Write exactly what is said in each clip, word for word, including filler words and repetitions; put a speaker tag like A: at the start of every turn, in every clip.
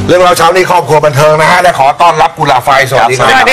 A: เรื่องเราเช้านี้ครอบครัวบันเทิงนะฮะและขอต้อนรับกุหลาบไฟสวัสดีครับสวัสดี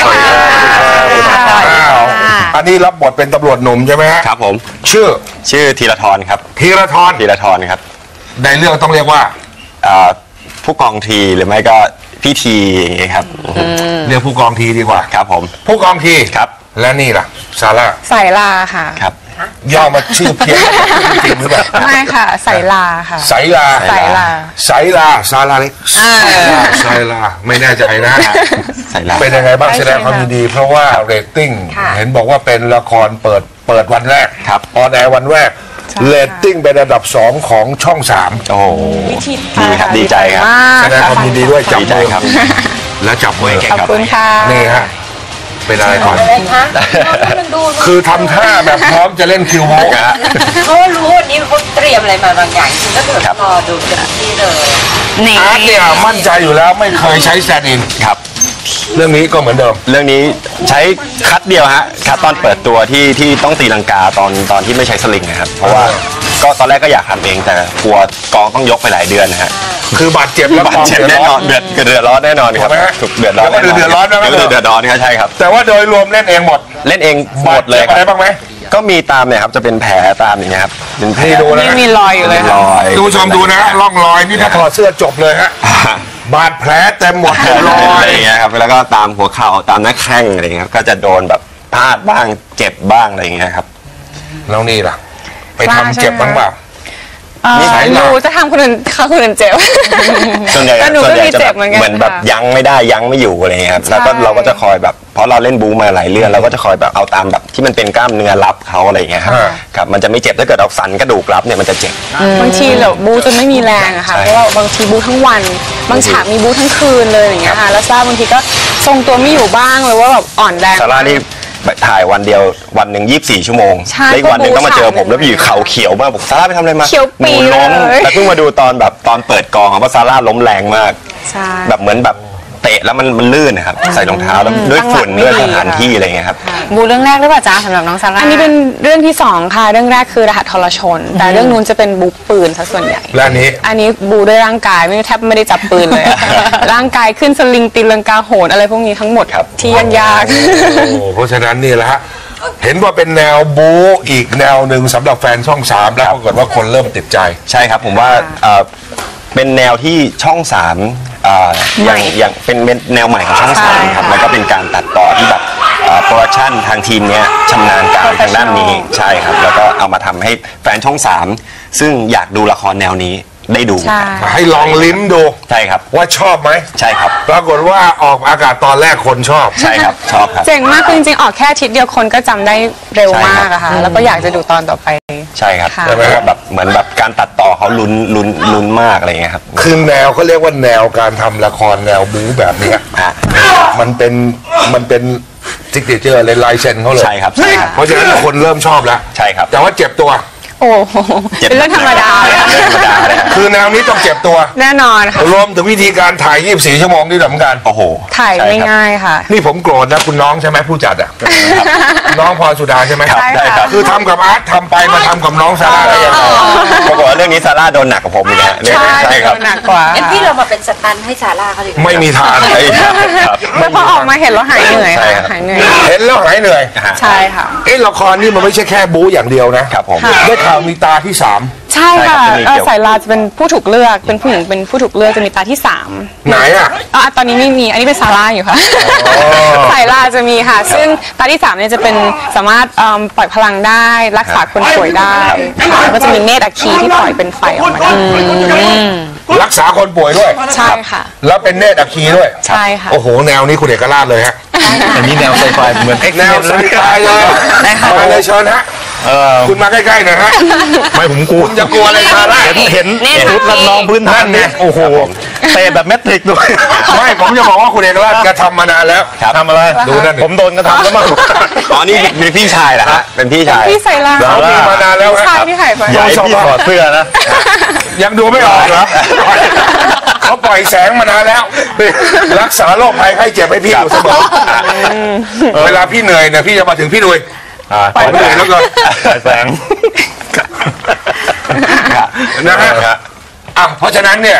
A: ครับอันนี้รับบทเป็นตำรวจหนุ่มใช่ไหมฮะ
B: ครับผม
A: ชื่อ
B: ชื่อธีรธรครับ
A: ธีรธร
B: ธีรธรครับ
A: ในเรื่องต้องเรียกว่า
B: ผู้กองทีหรือไม่ก็พี่ทีอย่างเงี้ยครับ
A: เรียกผู้กองทีดีกว่า
B: ครับผม
A: ผู้กองที
B: ครับ
A: และนี่ล่ะซาร่า
C: สายลาค่ะ
B: ครับ
A: ย่อมาชื่อเพี้ยนจริงหรือเปล่า
C: ไม่ค่ะสายลาค่ะ
A: สายลา
C: สายลา
A: สายลาซาร่าเล็กสายลาไม่แน่ใจนะ
B: สายลา
A: เป็นยังไงบ้างแสดงความยินดีเพราะว่าเรตติ้งเห็นบอกว่าเป็นละครเปิดเปิดวันแรกออนแอร์วันแรกเรตติ้งเป็นอันดับสองของช่องสาม
B: โอ้ดีครับดีใจครับ
A: แสดงความยินดีด้วยจับมือครับแล้วจับมือ
C: ขอบคุณค่ะ
A: นี่ฮะเป็นอะไรก่อนคือทำท่าแบบพร้อมจะเล่นคิวโมกะ
D: เขารู้วันนี้เขาเตรียมอะไรมาบางอย่างจริงก็เดี๋ยวรอดูเต็มที่เลย
A: อาร์ตเนี่ยมั่นใจอยู่แล้วไม่เคยใช้แซนด์อิน
B: ครับ
A: เรื่องนี้ก็เหมือนเดิม
B: เรื่องนี้ใช้คัดเดียวฮะคัดตอนเปิดตัวที่ที่ต้องตีลังกาตอนตอนที่ไม่ใช้สลิงนะครับเพราะว่าก็ตอนแรกก็อยากทำเองแต่กลัวกองต้องยกไปหลายเดือนนะฮะ
A: คือบาดเจ็บแล้ว
B: บาดเจ็บแน่นอนเดือดเดือดร้อนแน่นอนครับถูกเดือดร้อน
A: เดือดร้อนนะ
B: เดือดร้อนครับใช่ครับ
A: แต่ว่าโดยรวมเล่นเองหมด
B: เล่นเองหมดเลย
A: อะไรบ้างไหม
B: ก็มีตามเนี่ยครับจะเป็นแผลตามอย่างเงี้ยครับเป็นแผล
A: ดูนะ
C: มีรอยอยู่เลย
B: รอย
A: ดูชมดูนะร่องรอยนี่ถ้าถอดเสื้อจบเลยฮะบาดแผลเต็มหมดรอย
B: อย่างเงี้ยครับแล้วก็ตามหัวเข่าตามหน้าแข้งอะไรเงี้ยก็จะโดนแบบพลาดบ้างเจ็บบ้างอะไรเงี้ยครับ
A: แล้วนี่ล่ะไปทำเจ็บบ้างเปล่า
C: หนูจะทำคนอื่นเขาคนอื่นเจ็บ
B: ส่วนใหญ่ส่วนใหญ่จะแบบเหมือนแบบยั้งไม่ได้ยั้งไม่อยู่อะไรเงี้ยครับแล้วก็เราก็จะคอยแบบเพราะเราเล่นบูมาหลายเรื่องเราก็จะคอยแบบเอาตามแบบที่มันเป็นกล้ามเนื้อรับเขาอะไรเงี้ยครับครับมันจะไม่เจ็บถ้าเกิดเอาสันกระดูกรับเนี่ยมันจะเจ็บบ
C: างทีเราบูจนไม่มีแรงอะค่ะเพราะว่าบางทีบูทั้งวันบางฉากมีบูทั้งคืนเลยอย่างเงี้ยค่ะแล้วซาบางทีก็ทรงตัวไม่อยู่บ้างเลยว่าแบบอ่อนแรง
B: ซาร่านี่ถ่ายวันเดียววันหนึ่งยี่สิบสี่ชั่วโมงแล้วอีกวันหนึ่งต้องมาเจอผมแล้วอยู่เข่าเขียวมากบอกซาร่าไปทำอะไรมา
C: หนู
B: ล้มแต่เพิ่งมาดูตอนแบบตอนเปิดกองเพราะซาร่าล้มแรงมากแบบเหมือนแบบเตะแล้วมันมันลื่นนะครับใส่รองเท้าแล้วด้วยฝุ่นด้วยสถานที่อะไรเงี้ยครับ
C: บูเรื่องแรกหรือเปล่าจ๊ะสำหรับน้องซาร่าอันนี้เป็นเรื่องที่สองค่ะเรื่องแรกคือรหัสทรชนแต่เรื่องนู้นจะเป็นบูปืนซะส่วนใหญ่
A: และนี้
C: อันนี้บูด้วยร่างกายไม่แทบไม่ได้จับปืนเลยร่างกายขึ้นสลิงตีลังกาโหนอะไรพวกนี้ทั้งหมดที่ยากยาก
A: เพราะฉะนั้นนี่แหละฮะเห็นว่าเป็นแนวบู๊อีกแนวหนึ่งสำหรับแฟนช่องสามแล้วปรากฏว่าคนเริ่มติดใจ
B: ใช่ครับผมว่าเป็นแนวที่ช่องสามอย่างอย่างเป็นแนวใหม่ของช่องสามครับแล้วก็เป็นการตัดต่อที่แบบโปรดักชันทางทีมเนี้ยชำนาญการทางด้านนี้ใช่ครับแล้วก็เอามาทำให้แฟนช่องสามซึ่งอยากดูละครแนวนี้ได้ดู
A: ให้ลองลิ้มดู
B: ใช่ครับ
A: ว่าชอบไหม
B: ใช่ครับ
A: ปรากฏว่าออกอากาศตอนแรกคนชอบ
B: ใช่ครับชอบครับ
C: เจ๋งมากจริงๆออกแค่อาทิตย์เดียวคนก็จำได้เร็วมากอะค่ะแล้วก็อยากจะดูตอนต่อไป
B: ใช่ครับเพราะว่าแบบเหมือนแบบการตัดต่อเขาลุ้นลุ้นลุ้นมากอะไรเงี้ยครับ
A: คือแนวเขาเรียกว่าแนวการทำละครแนวบู๊แบบนี้มันเป็นมันเป็นซิกเนเจอร์เลยลายเซ็นเขาเลย
B: ใช่ครับใช่ครับ
A: เพราะฉะนั้นคนเริ่มชอบแล้ว
B: ใช่ครับ
A: แต่ว่าเจ็บตัว
C: โอ้เป็นเรื่องธรรมดาเลย
A: คือแนวนี้ต้องเจ็บตัว
C: แน่นอนค่ะ
A: รวมถึงวิธีการถ่ายยี่สิบสี่ชั่วโมงนี่สำคัญ
B: โอ้โห
C: ถ่ายไม่ง่ายค่ะ
A: นี่ผมโกรธนะคุณน้องใช่ไหมผู้จัดอ่ะน้องพรสุดาใช่ไหม
C: ใช่ค่ะ
A: คือทำกับอาร์ตทำไปมาทำกับน้องซาร่าได้ยังไง
B: ปรากฏว่าเรื่องนี้ซาร่าโดนหนักกว่าผมอีกนะ
C: ใช่ครับหนักกว่า
D: งั้นพี่เรามาเป็นสตันให้ซาร่าเขาดี
A: ไม่มีทาง
C: แล้วพอออกมาเห็นแล้วหายเหนื่อยหายเหนื่อย
A: เห็นแล้วหายเหนื่อย
C: ใช่ค่ะ
A: เอ้ละครนี่มันไม่ใช่แค่บู๊อย่างเดียวนะครับ
B: ผม
A: ได้ข่าวมีตาที่สาม
C: ใช่ค่ะสายลาจะเป็นผู้ถูกเลือกเป็นผู้หญิงเป็นผู้ถูกเลือกจะมีตาที่สาม
A: ไหนอ่ะ
C: อ๋อตอนนี้ไม่มีอันนี้เป็นซาร่าอยู่ค่ะสายลาจะมีค่ะซึ่งตาที่สามเนี่ยจะเป็นสามารถปล่อยพลังได้รักษาคนป่วยได้แล้วก็จะมีเนตรอัคคีที่ปล่อยเป็นไฟออกมา
A: รักษาคนป่วยด้วย
C: ใช่ค่ะ
A: แล้วเป็นเนตรอัคคีด้วย
C: ใช่ค่ะ
A: โอ้โหแนวนี้คุณเอกราชเลยฮะ
B: อันนี้แนวไซไฟเหมือน
A: แนวไซไฟเลยมาเลยเชิญฮะคุณมาใกล้ๆหน่อยฮะ
B: ไม่ผมกลัว
A: จะกลัวอะไรซาร่า
B: เห็นชุดละนองพื้นท่านเนี่ยโอ้โหเตะแบบแมทริกด้วย
A: ไม่ผมจะบอกว่าคุณเอกราชกระทำมานานแล้ว
B: ทำอะไร
A: ดูนั่น
B: ผมโดนกระทำแล้วมั้งอ๋อนี่มีพี่ชายเหรอฮะเป็นพี่ชาย
C: พี่สายลา
A: เขามีมานานแล้ว
C: ใช่พี่หายไป
B: ใหญ่พี่ถอดเสื้อนะ
A: ยังดูไม่ออกเหรอเขาปล่อยแสงมานานแล้วรักษาโรคภัยไข้เจ็บให้พี่อยู่เสมอเวลาพี่เหนื่อยเนี่ยพี่จะมาถึงพี่ดุยปล่อยเหนื่อยแล้วก็
B: แสง
A: นะฮะอ่ะเพราะฉะนั้นเนี่ย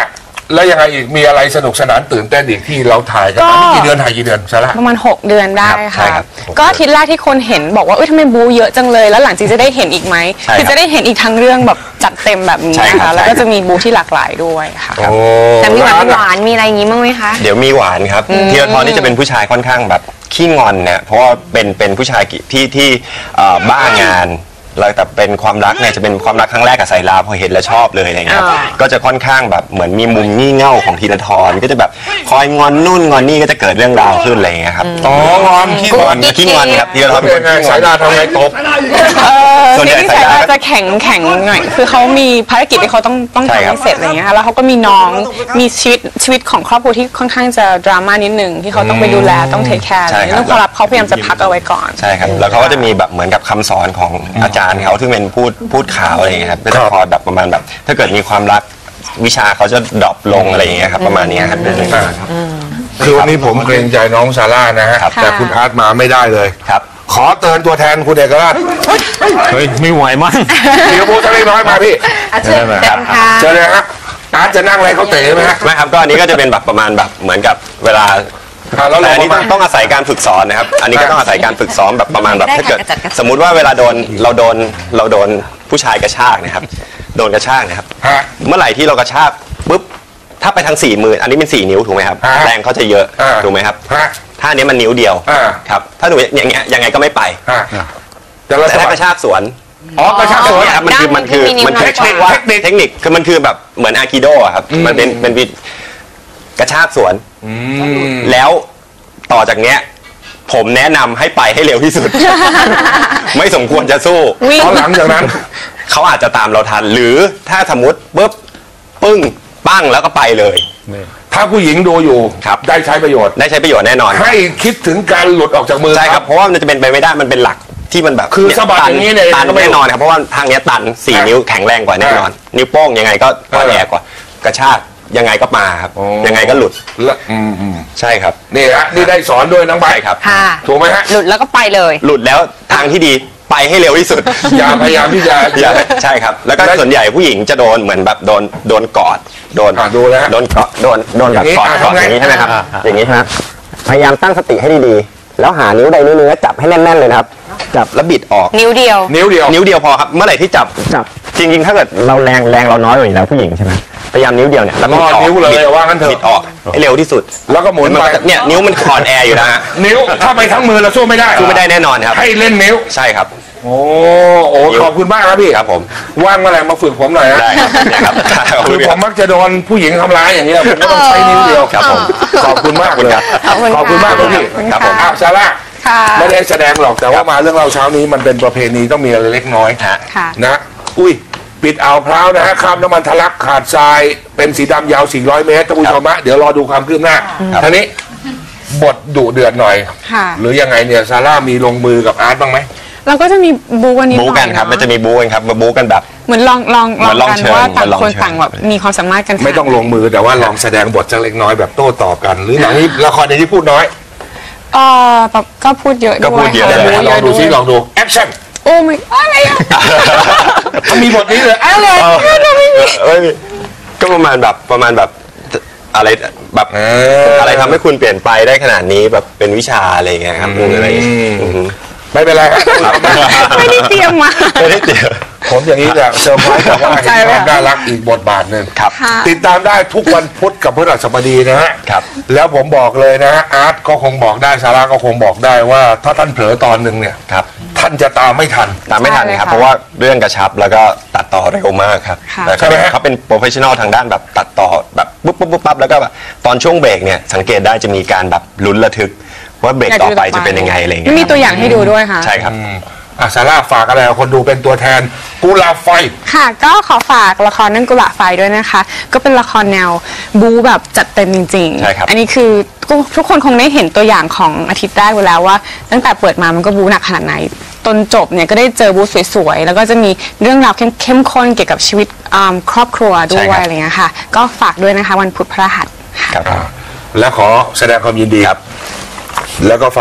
A: แล้วยังไงอีกมีอะไรสนุกสนานตื่นเต้นอีกที่เราถ่ายกัน
C: ก็
A: อันนี้กี่เดือนถ่ายกี่เดือนซาร่า
C: ประมาณหกเดือนได้
B: ใช่
C: ค่ะ
B: ครับ
C: ก็อาทิตย์แรกที่คนเห็นบอกว่าเอ้ยทำไมบูเยอะจังเลยแล้วหลังจากจะได้เห็นอีกไหม
B: ใช่ครับ
C: คือจะได้เห็นอีกทั้งเรื่องแบบจัดเต็มแบบนี้
B: ใช่
C: นะ
B: ครั
C: คะ
B: บ
C: แล้วก็
B: ใช่ครับ
C: จะมีบูที่หลากหลายด้วยค่ะ
A: โอ้
E: แต่มีหวาน
A: ร้
E: ห
A: อะ
E: วานมีอะไรอย่างงี้บ้างไหมคะ
B: เดี๋ยวมีหวานครับธีรทรนี่จะเป็นผู้ชายค่อนข้างแบบขี้งอนเนี่ยเพราะว่าเป็นเป็นผู้ชายที่ที่เอ่อบ้างานแล้วแต่เป็นความรักเนี่ยจะเป็นความรักครั้งแรกกับสายลาพอเห็นแล้วชอบเลยอะไรเงี้ยครับ
E: อ่า
B: ก็จะค่อนข้างแบบเหมือนมีมุมงี่เง่าของธีรทรก็จะแบบคอยงอนนู่นงอนนี่ก็จะเกิดเรื่องราวขึ้นอะไรเงี้ยครับ
A: อ๋องอนขี้งอน
B: ขี้งอนครับธีรทร
A: เป็
B: เป็น น
A: ไง
B: คนขี้ง
A: สา
B: อย น
A: ดาทำไงตบ
C: เออ
B: ส่วนใหญ่
C: ที่
B: สาย
C: สาย
B: ตา
C: ตาจะแข็งแข็งหน่อยคือเขามีภารกิจที่เขาต้องต้อง
B: ใช่
C: ทำ
B: ครับ
C: ให้เสร็จอะไรอย่างเงี้ยค่ะแล้วเขาก็มีน้องมีชีวิตชีวิตของครอบครัวที่ค่อนข้างจะดราม่านิดนึงที่เขาต้องไปดูแลต้องเทคแคร์
B: ใช่ครับ
C: เรื่องความลับเขาพยายามจะพักเอาไว้ก่อน
B: ใช่ครับแล้วเขาก็จะมีแบบเหมือนกับคำสอนของอาจารย์เขาที่เป็นพูดพูดข่าวอะไรอย่างเงี้ยครับก็จะคอยแบบประมาณแบบ ถ้าเกิดมีความรักวิชาเขาจะดรอปลงอะไรอย่างเงี้ยครับประมาณนี้ครับ
A: คือวันนี้ผมเกรงใจน้องซาร่านะฮะ
B: ครับ
A: แต่คุณอาร์ตมาไม่ได้เลย
B: ครับ
A: ขอเตือนตัวแทนคุณเอกราช
F: เฮ้ย ไม่ไหวมั้ง
A: เดี๋ยวพูดสักเล็กน้อยมาพี่
E: เชิญเต็มค่ะ
A: เชิญเลยฮะอาร์ตจะนั่งอะไรเขาเตะไหมฮะ
B: ไม่ครับก็อันนี้ก็จะเป็นแบบประมาณแบบเหมือนกับเวลา
A: อ่ะแล้ว
B: แต่
A: เรา
B: อันนี้
A: มา
B: ต้องต้องอาศัยการฝึกสอนนะครับ อันนี้ก็ต้องอาศัยการฝึกซ้อมแบบประมาณแบบ
E: ได้ค่ะ
B: ถ้าเกิด
E: กระจัดกระจาย
B: สมมุติว่าเวลาโดนเราโดนเราโดนผู้ชายกระชากนะครับ โดนกระชากนะครับ
A: ฮะ
B: เมื่อไหร่ที่เรากระชากปุ๊บถ้าไปทางสี่มืออันนี้เป็นสี่นิ้วถูกไหมครับ
A: ฮะ
B: แรงเขาจะเยอะ
A: อ่า
B: ถูกไหมครับ
A: ฮะ
B: ถ้าอันนี้มันนิ้วเดียว
A: อ่า
B: ครับถ้าหนูอย่างเงี้ยยังไงก็ไม่ไป
A: ฮะแต่เรา
B: แต่
A: จะ
B: ถ้ากระชากสวน
A: อ๋อกระชากสวน
B: เนี่ยครับมันคือมันคือ
E: ด้านหนึ่งที่มีนิ้ว
B: มันคือ
E: น้อยกว่า
B: เรียกว่าเทคนิคคือมันคือแบบเหมือนอาคิโดอะครับมันเป็นเป็นวิกระชากสวน
A: อืม
B: แล้วต่อจากเนี้ยผมแนะนำให้ไปให้เร็วที่สุด ไม่สมควรจะสู้
C: วิ่ง
A: เพราะหลังจากนั้น
B: เขาอาจจะตามเราทัน หรือถ้าสมมติปุ๊บปึ้งปั้งแล้วก็ไปเลย
A: ถ้าผู้หญิงดูอยู่
B: ครับ
A: ได้ใช้ประโยชน์
B: ได้ใช้ประโยชน์แน่นอน
A: ให้คิดถึงการหลุดออกจากมือ
B: ใช่ครับเพราะว่ามันจะเป็นไปไม่ได้มันเป็นหลักที่มันแบบ
A: คือสะบัดอย่างนี้เนี่ย
B: ตัน
A: ก็ไม่
B: แน่นอนครับเพราะว่าทางเนี้ยตันสี่
A: อ่ะ
B: นิ้วแข็งแรงกว่าแน่นอน นิ้วโป้งยังไงก็อ่อนแอกว่ากระชากยังไงก็มาครับ
A: โอ้
B: ยังไงก็หลุด
A: และอืมอืม
B: ใช่ครับ
A: นี่ฮะนี่ได้สอนด้วยน้องใบ
B: ใช่ครับ
E: ค่ะ
A: ถูกไหมฮะ
E: หลุดแล้วก็ไปเลย
B: หลุดแล้วทางที่ดีไปให้เร็วที่สุด
A: อย่าพยายามที่จะ
B: อย่าใช่ครับ แล้วก็ส่วนใหญ่ผู้หญิงจะโดนเหมือนแบบโดนโดนกอดโดน
A: อ่ะดูแล้ว
B: โดนเกาะโดนโดนแบบกอด
A: อย่างนี้
B: กอด
A: อ่ะ
B: อย่างนี้
A: ทำไง
B: ใช่ไหมครับ
F: อ่ะอ่ะ
B: อย่างนี้ใช่ไหมพยายามตั้งสติให้ดีๆแล้วหานิ้วใดนิ้วหนึงแล้วจับให้แน่นๆเลยนะครับจับแล้วบิดออก
E: นิ้วเดียว
A: นิ้วเดียว
B: นิ้วเดียวพอครับเมื่อไหร่ที่จับจับจริงๆถ้าเกิดเราแรงแรงเราน้อยกว่าอยู่แล้วผู้หญิงใช่ไหมพยายามนิ้วเดียวเนี่ยแล้วบิดออก
A: รอดนิ้วเลย
B: บิด
A: ว่างั้นเถอะ
B: บิดออกให้เร็วที่สุด
A: แล้วก็หมุน
B: มัน
A: ไป
B: ก็จะเนี่ยนิ้วมันคลอนแอร์อยู่นะฮะ
A: นิ้วถ้าไปทั้งมือเราสู้ไม่ได้
B: สู้ไม่ได้แน่นอนครับ
A: ให้เล่นนิ้ว
B: ใช่ครับ
A: โอ้โอ้
B: นิ้ว
A: ขอบคุณมากครับพี่
B: ครับผม
A: ว่างเมื่อไหร่มาฝึกผมหน่อยนะ
B: ได้ครับเนี่ยครับ
A: คือผมมักจะโดนผู้หญิงทำร้ายอย่างนี้ยผมก็ต้องใช้นิ้วเดียว
B: ครับผม
A: ขอบคุณมากเลย
C: ขอบคุณ
A: ขอบคุณมากครับพี่
C: ขอบคุณ
A: ครับผม
C: ค่ะ
A: อ้าวซาร่า
C: ค่ะ
A: ไม่ได้แสดงหรอกแต่ว่ามาเรื่องเล่าเช้านี้มันเป็นประเพณีต้องมีอะไรเล็กน้อย
B: ฮะ
C: ค่ะ
A: นะอุ้ยปิดอ่าวพร้าวนะฮะข้ามน้ำมันทะลักขาดทรายเป็นสีดำยาวสี่ร้อยเมตรท่านผู้ชมฮะเดี๋ยวรอดูความคืบหน้าท่านี้บทดุเดือดหน่อย
C: ค่ะ
A: หรือยังไงเนี่ยซาร่ามีลงมือกับอาร์ตบ้างไหม
C: เราก็จะมีบูกันนิดห
B: บู๊
C: น่อย
B: กันครับ
C: เอะ
B: มันจะมีบู๊กันครับมาบู๊กันแบบ
C: เหมือนลองลอง
B: เหมือนลอง
C: กัน
B: เชิญ
C: ว่าต่าง
B: เหมือนลอง
C: คน
B: เชิญ
C: ต่างแบบมีความสามารถกัน
A: ไม่ต้องลงมือแต่ว่าลองแสดงบทสักเล็กน้อยแบบโต้ตอบกัน หรือหนังนี้ละครในที่พูดน้อย
C: เออแบบก็พูดเยอะ
B: ก็
C: ด้วย
B: พูดเยอะ
C: ค่ะ
B: เลย
C: บู๊
A: ลองดูซิลองดูแอคชั่น
C: โอ้ไม่อะไรอะ
A: มีบทนี้เลยอะไร
B: เอ้ยก็ประมาณแบบประมาณแบบอะไรแบบ
A: เอ
B: อะไรทำให้คุณเปลี่ยนไปได้ขนาดนี้แบบเป็นวิชาอะไรอย่างเงี้ยครับอะไรอย่างเงี้ยอือฮึ
A: ไม่เป็นไรครับ
C: ไม่ได้เตรียมมา
B: ไม่ได้เดี๋ยว
A: ผมอย่างนี้จะเซอร์ไพรส์แต่ว่า
C: ใจ
A: เห็น
C: ไหม
A: ความน่ารักอีกบทบาทหนึ่ง
B: ครับ
C: ค่ะ
A: ติดตามได้ทุกวันพุธกับพฤหัสบดีนะฮะ
B: ครับ
A: แล้วผมบอกเลยนะฮะอาร์ตก็คงบอกได้ซาร่าก็คงบอกได้ว่าถ้าท่านเผลอตอนหนึ่งเนี่ย
B: ครับ
A: ท่านจะตามไม่ทัน
B: ตามไม่ทัน
C: ใช่เลย
B: ครับ
C: ค่ะ
B: เพราะว่าเรื่องกระชับแล้วก็ตัดต่อเร็วมากครับ
C: ค่ะ
B: แล้ว
A: ใช่ไหมฮะ
B: เขาเป็นโปรเฟชชั่นอลทางด้านแบบตัดต่อแบบปุ๊บปุ๊บปุ๊บปั๊บแล้วก็แบบตอนช่วงเบรกเนี่ยสังเกตได้จะมีการแบบลุ้นระทึกว่าเบรกต่อไปจะเป็นยังไงอะไรอย่างเงี้ย
C: มีตัวอย่างให้ดูด้วยค่ะ
B: ใช่ครับ
A: อืมอ่ะซาร่าฝากอะไรกับคนดูเป็นตัวแทนกุหลาบไฟ
C: ค่ะก็ขอฝากละครนั่นกุหลาบไฟด้วยนะคะ ก็เป็นละครแนวบู๊แบบจัดเต็มจริงๆ
B: ใช่ครับ
C: อันนี้คือทุกคนคงได้เห็นตัวอย่างของอาทิตย์แรกไปแล้วว่า ตั้งแต่เปิดมามันก็บู๊หนักขนาดไหนตอนจบเนี่ยก็ได้เจอบู๊สวยๆแล้วก็จะมีเรื่องราวเข้มข้นเกี่ยวกับชีวิตอ่าครอบครัวด้วยอะไรเงี้ยค่ะก็ฝากด้วยนะคะวันพุธพฤหัสค่ะ
B: ครับ
A: และขอแสดงความยินดี
B: ครับ
A: แล้วก็ฝาก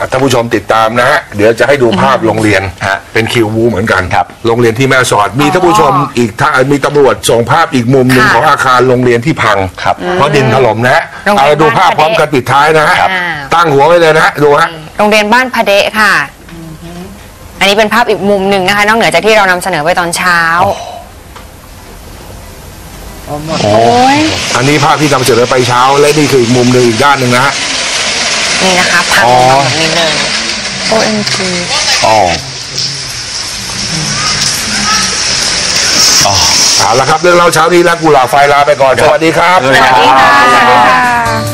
A: ท่านผู้ชมติดตามนะฮะเดี๋ยวจะให้ดูภาพโรงเรียน
B: ฮะ
A: เป็นคิววูเหมือนกัน
B: ครับ
A: โรงเรียนที่แม่สอดมีท่านผู้ชมอีกท่ามีตำรวจส่งภาพอีกมุมหนึ่ง
E: ค่ะ
A: ของอาคารโรงเรียนที่พัง
B: ครับ
A: เพราะดินถล่มนะฮะ
E: โรงเรียน
A: เอาดูภาพพร้อมกันปิดท้ายนะฮะ
E: ครับ
A: ตั้งหัวไว้เลยนะฮะดูฮะ
E: โรงเรียนบ้านพะเดะค่ะ อันนี้เป็นภาพอีกมุมหนึ่งนะคะ นอกเหนือจากที่เรานำเสนอไปตอนเช้า
A: อันนี้ภาพที่นำเสนอไปเช้าและนี่คืออีกมุมหนึ่งอีกด้านหนึ่งนะฮะ
E: นี่นะคะพัง
B: อ๋อ
E: ลงมาแบบนี้เลย
C: โอ เอ็ม จี
B: อ๋อ
A: เอาละครับเรื่องเล่าเช้านี้และกุหลาบไฟลาไปก่อนสวัสดีครับ
B: สวัสดีครับ
C: สวัสดีค่ะ